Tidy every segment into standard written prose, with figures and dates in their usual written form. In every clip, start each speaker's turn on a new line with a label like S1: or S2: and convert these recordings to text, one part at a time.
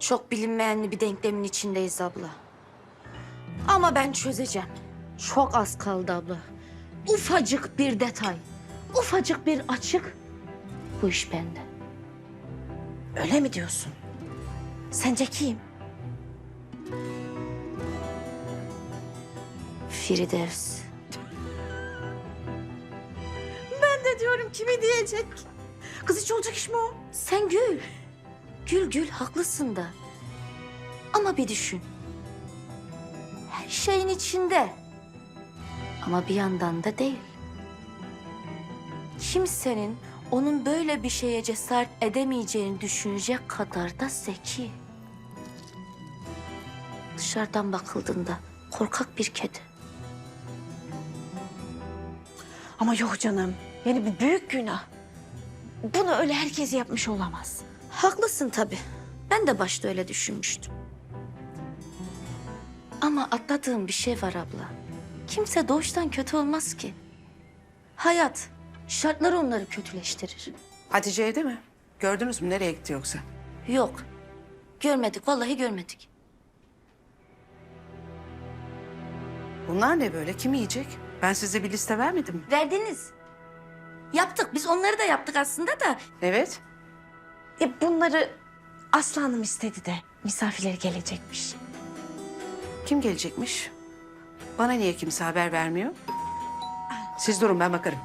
S1: Çok bilinmeyenli bir denklemin içindeyiz abla. Ama ben çözeceğim. Çok az kaldı abla. Ufacık bir detay, ufacık bir açık. Bu iş bende.
S2: Öyle mi diyorsun? Sence kim?
S1: Firdevs.
S2: Ben de diyorum kimi diyecek? Kız hiç olacak iş mi o?
S1: Sen gül. Gül gül haklısın da. Ama bir düşün. Her şeyin içinde. Ama bir yandan da değil. Kimsenin onun böyle bir şeye cesaret edemeyeceğini düşünecek kadar da zeki. Dışarıdan bakıldığında korkak bir kedi.
S2: Ama yok canım. Yani bir büyük günah. Bunu öyle herkes yapmış olamaz.
S1: Haklısın tabii. Ben de başta öyle düşünmüştüm. Ama atladığım bir şey var abla. Kimse doğuştan kötü olmaz ki. Hayat, şartlar onları kötüleştirir.
S3: Hatice evde mi? Gördünüz mü? Nereye gitti yoksa?
S1: Yok, görmedik, vallahi görmedik.
S3: Bunlar ne böyle? Kim yiyecek? Ben size bir liste vermedim mi?
S1: Verdiniz. Yaptık, biz onları da yaptık aslında da.
S3: Evet.
S2: Bunları Aslı Hanım istedi de misafirleri gelecekmiş.
S3: Kim gelecekmiş? Bana niye kimse haber vermiyor? Siz durun, ben bakarım.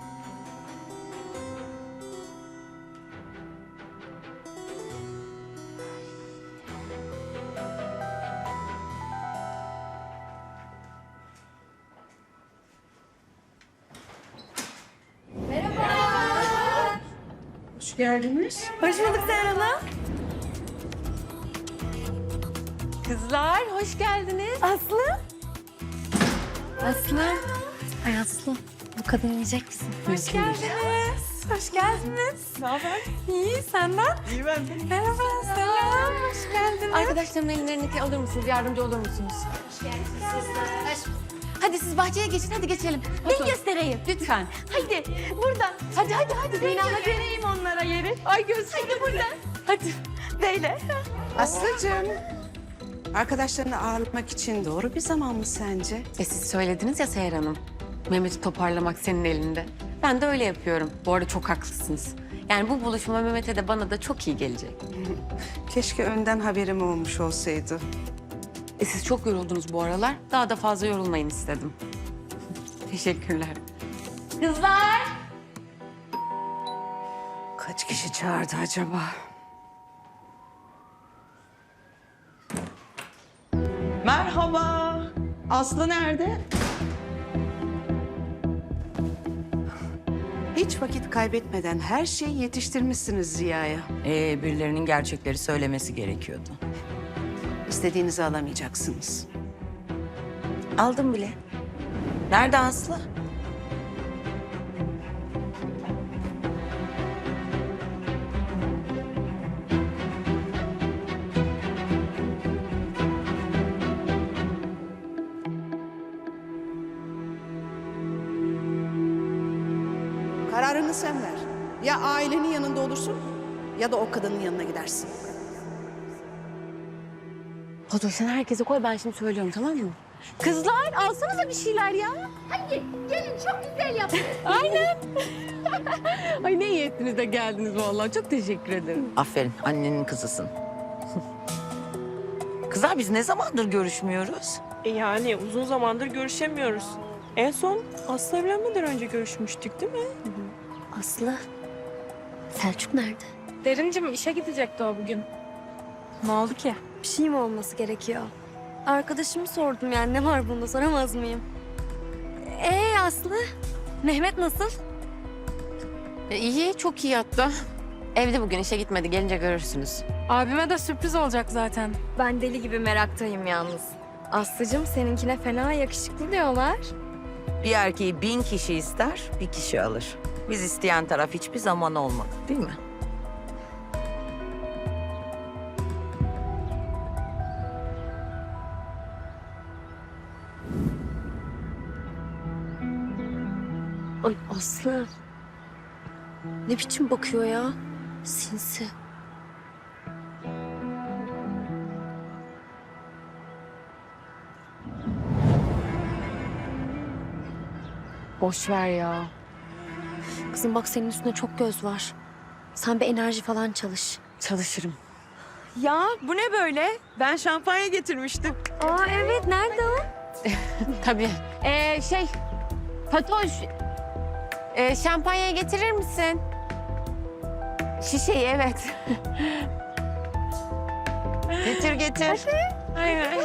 S3: Hoş geldiniz.
S2: Hoş bulduk Seher Hanım. Kızlar hoş geldiniz. Aslı.
S4: Aslı. Ay Aslı, bu kadını yiyecek misin?
S2: Hoş geldiniz. Hoş geldiniz. Ne haber? İyi, senden? İyi ben de. Merhaba, selam. Hoş geldiniz.
S4: Arkadaşlarımın ellerindeki alır mısınız? Yardımcı olur musunuz? Hadi siz bahçeye geçin, hadi geçelim.
S1: Ben göstereyim.
S4: Lütfen.
S1: Haydi, buradan.
S4: Hadi Zeynep, hadi.
S2: Vereyim onlara yeri. Ay gözüm. Hadi buradan. Hadi. Böyle.
S3: Aslıcığım. Arkadaşlarını ağırlamak için doğru bir zaman mı sence?
S4: Siz söylediniz ya Seher Hanım. Mehmet'i toparlamak senin elinde. Ben de öyle yapıyorum. Bu arada çok haklısınız. Yani bu buluşma Mehmet'e de bana da çok iyi gelecek.
S3: Keşke önden haberim olmuş olsaydı.
S4: Siz çok yoruldunuz bu aralar. Daha da fazla yorulmayın istedim. Teşekkürler.
S1: Kızlar.
S3: Kaç kişi çağırdı acaba?
S5: Merhaba. Aslı nerede?
S3: Hiç vakit kaybetmeden her şeyi yetiştirmişsiniz Ziya'ya.
S6: Birilerinin gerçekleri söylemesi gerekiyordu.
S3: İstediğinizi alamayacaksınız.
S2: Aldım bile.
S6: Nerede Aslı?
S3: Kararını sen ver. Ya ailenin yanında olursun ya da o kadının yanına gidersin.
S4: Fatoş sen herkese koy, ben şimdi söylüyorum, tamam mı?
S2: Kızlar alsanıza bir şeyler ya.
S4: Aynen. Ay ne iyi ettiniz de geldiniz vallahi. Çok teşekkür ederim.
S6: Aferin, annenin kızısın. Kızlar biz ne zamandır görüşmüyoruz?
S5: Yani uzun zamandır görüşemiyoruz. En son Aslı evlenmeden önce görüşmüştük değil mi?
S1: Aslı, Selçuk nerede?
S7: Derincim işe gidecekti o bugün. Ne oldu ki?
S8: Bir şey mi olması gerekiyor? Arkadaşımı sordum yani ne var bunda soramaz mıyım? Aslı? Mehmet nasıl?
S4: İyi, çok iyi hatta. Evde bugün işe gitmedi. Gelince görürsünüz.
S7: Abime de sürpriz olacak zaten.
S8: Ben deli gibi meraktayım yalnız. Aslıcığım seninkine fena yakışıklı diyorlar.
S6: Bir erkeği 1000 kişi ister, bir kişi alır. Biz isteyen taraf hiçbir zaman olmadı, değil mi?
S8: Ay Aslı. Ne biçim bakıyor ya? Sinsi.
S4: Boş ver ya.
S8: Kızım bak senin üstünde çok göz var. Sen bir enerji falan çalış.
S4: Çalışırım.
S5: Ya bu ne böyle? Ben şampanya getirmiştim.
S8: Aa evet nerede o?
S4: Tabii. Fatoş, şampanya getirir misin? Şişeyi, evet.
S6: Getir getir.
S4: Aynen.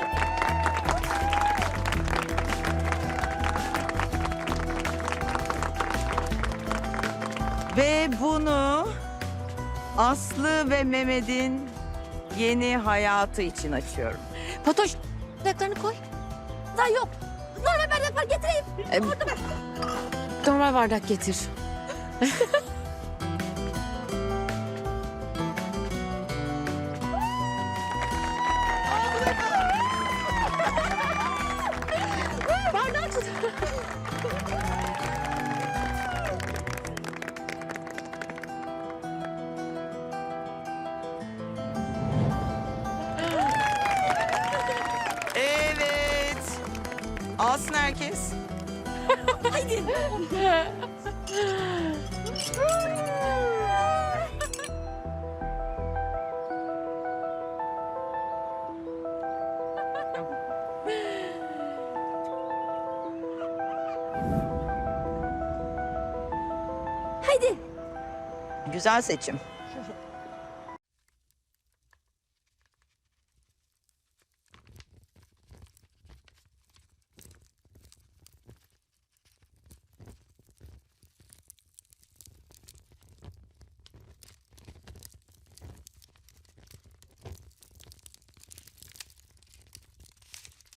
S6: Ve bunu Aslı ve Mehmet'in yeni hayatı için açıyorum.
S4: Fatoş, bardaklarını koy.
S1: Da yok. Normal bardak var getireyim.
S4: Normal bardak getir.
S6: Evet. Alsın herkes.
S1: Haydi.
S6: Güzel seçim.